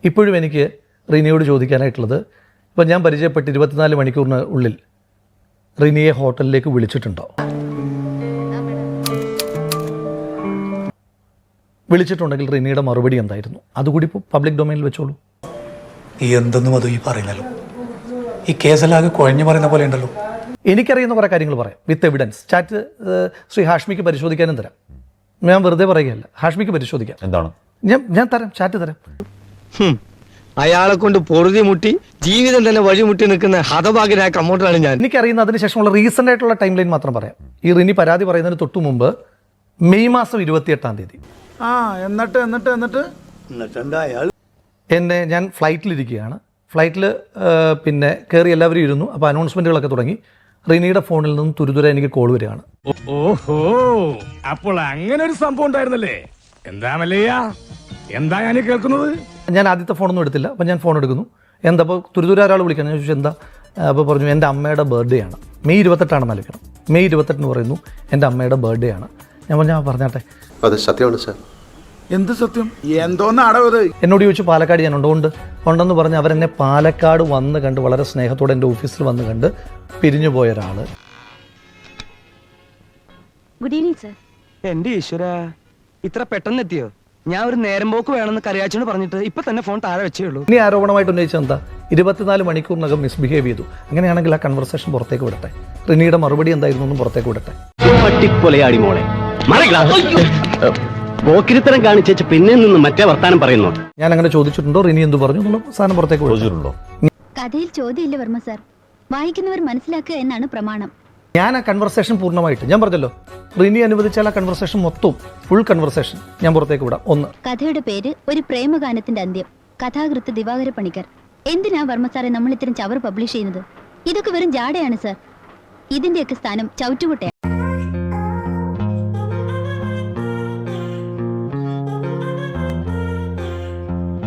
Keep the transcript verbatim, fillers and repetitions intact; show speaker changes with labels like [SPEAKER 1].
[SPEAKER 1] ഇപ്പോഴും എനിക്ക് റിനിയോട് ചോദിക്കാനായിട്ടുള്ളത്, ഇപ്പം ഞാൻ പരിചയപ്പെട്ട് ഇരുപത്തിനാല് മണിക്കൂറിന് ഉള്ളിൽ റിനിയെ ഹോട്ടലിലേക്ക് വിളിച്ചിട്ടുണ്ടോ? വിളിച്ചിട്ടുണ്ടെങ്കിൽ റിനിയുടെ മറുപടി എന്തായിരുന്നു? അതുകൂടി ഇപ്പോൾ പബ്ലിക് ഡൊമൈനിൽ വെച്ചോളൂ.
[SPEAKER 2] ഈ എന്തെന്നും അത് ഈ പറയുന്നല്ലോ, ഈ കേസലാകെ കുഴഞ്ഞു പറയുന്ന പോലെ ഉണ്ടല്ലോ.
[SPEAKER 1] എനിക്കറിയുന്ന കുറേ കാര്യങ്ങൾ പറയാം വിത്ത് എവിഡൻസ്. ചാറ്റ് ശ്രീ ഹാഷ്മിക്ക് പരിശോധിക്കാനും തരാം. ഞാൻ വെറുതെ പറയുകയല്ല, ഹാഷ്മിക്ക് പരിശോധിക്കാം.
[SPEAKER 3] എന്താണ്?
[SPEAKER 1] ഞാൻ ഞാൻ തരാം, ചാറ്റ് തരാം.
[SPEAKER 4] അയാളെ കൊണ്ട് പൊറുതി മുട്ടി ജീവിതം തന്നെ വഴിമുട്ടി നിൽക്കുന്ന ഹതഭാഗ്യനായ കമ്മോട്ടറാണ് ഞാൻ.
[SPEAKER 1] എനിക്കറിയുന്ന അതിന് ശേഷമുള്ള റീസെൻ്റ് ആയിട്ടുള്ള ടൈം ലൈൻ മാത്രം പറയാം. ഈ റിനി പരാതി പറയുന്നതിന് തൊട്ടു മുമ്പ് മെയ് മാസം ഇരുപത്തിയെട്ടാം തീയതി
[SPEAKER 5] ആ എന്നിട്ട് എന്നിട്ട് എന്നിട്ട് എന്നിട്ട് അയാൾ
[SPEAKER 1] എന്നെ, ഞാൻ ഫ്ലൈറ്റിലിരിക്കുകയാണ്. ഫ്ലൈറ്റിൽ പിന്നെ കയറി എല്ലാവരും ഇരുന്നു. അപ്പോൾ അനൗൺസ്മെൻറ്റുകളൊക്കെ തുടങ്ങി. റിനിയുടെ ഫോണിൽ നിന്നും തുരുതുര എനിക്ക് കോൾ വരികയാണ്.
[SPEAKER 6] ഓഹോ, അപ്പോൾ അങ്ങനെ ഒരു സംഭവം ഉണ്ടായിരുന്നല്ലേ? എന്താ മല്ലയ്യ, എന്താ ഞാൻ കേൾക്കുന്നത്?
[SPEAKER 1] ഞാൻ ആദ്യത്തെ ഫോണൊന്നും എടുത്തില്ല. അപ്പോൾ ഞാൻ ഫോൺ എടുക്കുന്നു. എന്താ അപ്പോൾ തുരുതുര ഒരാൾ വിളിക്കണം. ഞാൻ ചോദിച്ചു എന്താ? അപ്പോൾ പറഞ്ഞു എൻ്റെ അമ്മയുടെ ബർത്ത്ഡേ ആണ്, മെയ് ഇരുപത്തെട്ടാണ് നൽകണം. മെയ് ഇരുപത്തെട്ടിന് പറയുന്നു എൻ്റെ അമ്മയുടെ ബർത്ത്ഡേ ആണ്. ഞാൻ പറഞ്ഞു ആ പറഞ്ഞാട്ടെ.
[SPEAKER 7] അത് സത്യമാണ് സാർ.
[SPEAKER 5] എന്ത് സത്യം? എന്തോന്നാടോ ഇത്?
[SPEAKER 1] എന്നോട് ചോദിച്ചു പാലക്കാട് ഞാൻ ഉണ്ടോ? ഉണ്ട് ഉണ്ടെന്ന് പറഞ്ഞ് അവരെന്നെ പാലക്കാട് വന്ന് കണ്ട് വളരെ സ്നേഹത്തോടെ എൻ്റെ ഓഫീസിൽ വന്ന് കണ്ട് പിരിഞ്ഞു പോയ ഒരാൾ.
[SPEAKER 8] Good evening sir.
[SPEAKER 4] എന്റെ ഈശ്വര, ഇത്ര പെട്ടെന്ന് എത്തിയോ? ഞാൻ ഒരു നേരം പോക്ക് വേണമെന്ന് കറിയാച്ചോട് പറഞ്ഞിട്ട് ഇപ്പൊ തന്നെ ഫോൺ താഴെ വെച്ചേ ഉള്ളൂ.
[SPEAKER 1] ഇനി ആരോപണമായിട്ട് ഉന്നയിച്ചത് എന്താ? ഇരുപത്തിനാല് മണിക്കൂറിനകം മിസ്ബിഹേവ് ചെയ്തു. അങ്ങനെയാണെങ്കിൽ ആ കൺവെർസേഷൻ പുറത്തേക്ക് വിടട്ടെ. റിനിയുടെ മറുപടി എന്തായിരുന്നു എന്നും പുറത്തേക്ക് വിടട്ടെ.
[SPEAKER 9] പട്ടിപ്പൊലയാടി മോളെ, പോക്കിരിത്തരം കാണിച്ചു പിന്നെ നിന്ന് മറ്റേ വർത്താനം പറയുന്നു.
[SPEAKER 1] ഞാൻ അങ്ങനെ ചോദിച്ചിട്ടുണ്ടോ, റിനി എന്ത് പറഞ്ഞു എന്നുള്ള സാധനം പുറത്തേക്ക് വിളിച്ചിട്ടുണ്ടോ?
[SPEAKER 8] കഥയിൽ ചോദ്യമില്ല വർമ്മ സാർ, വായിക്കുന്നവർ മനസ്സിലാക്കുക എന്നാണ് പ്രമാണം.
[SPEAKER 1] ഞാൻ ആ കൺവെർസേഷൻ പൂർണ്ണമായിട്ട്, ഞാൻ പറഞ്ഞല്ലോ, റിനി അനുവദിച്ചാൽ ആ കൺവെർസേഷൻ മൊത്തം ഫുൾ കൺവെർസേഷൻ ഞാൻ പുറത്തേക്ക് വിടാം. ഒന്ന്,
[SPEAKER 8] കഥയുടെ പേര് ഒരു പ്രേമഗാനത്തിന്റെ അന്ത്യം. കഥാകൃത്ത് ദിവാകര പണിക്കർ. എന്തിനാ വർമ്മ സാറെ നമ്മൾ ഇത്തരം ചവർ പബ്ലിഷ് ചെയ്യുന്നത്? ഇതൊക്കെ വെറും ജാടയാണ് സാർ. ഇതിന്റെയൊക്കെ സ്ഥാനം ചവിറ്റുകുട്ടയാണ്.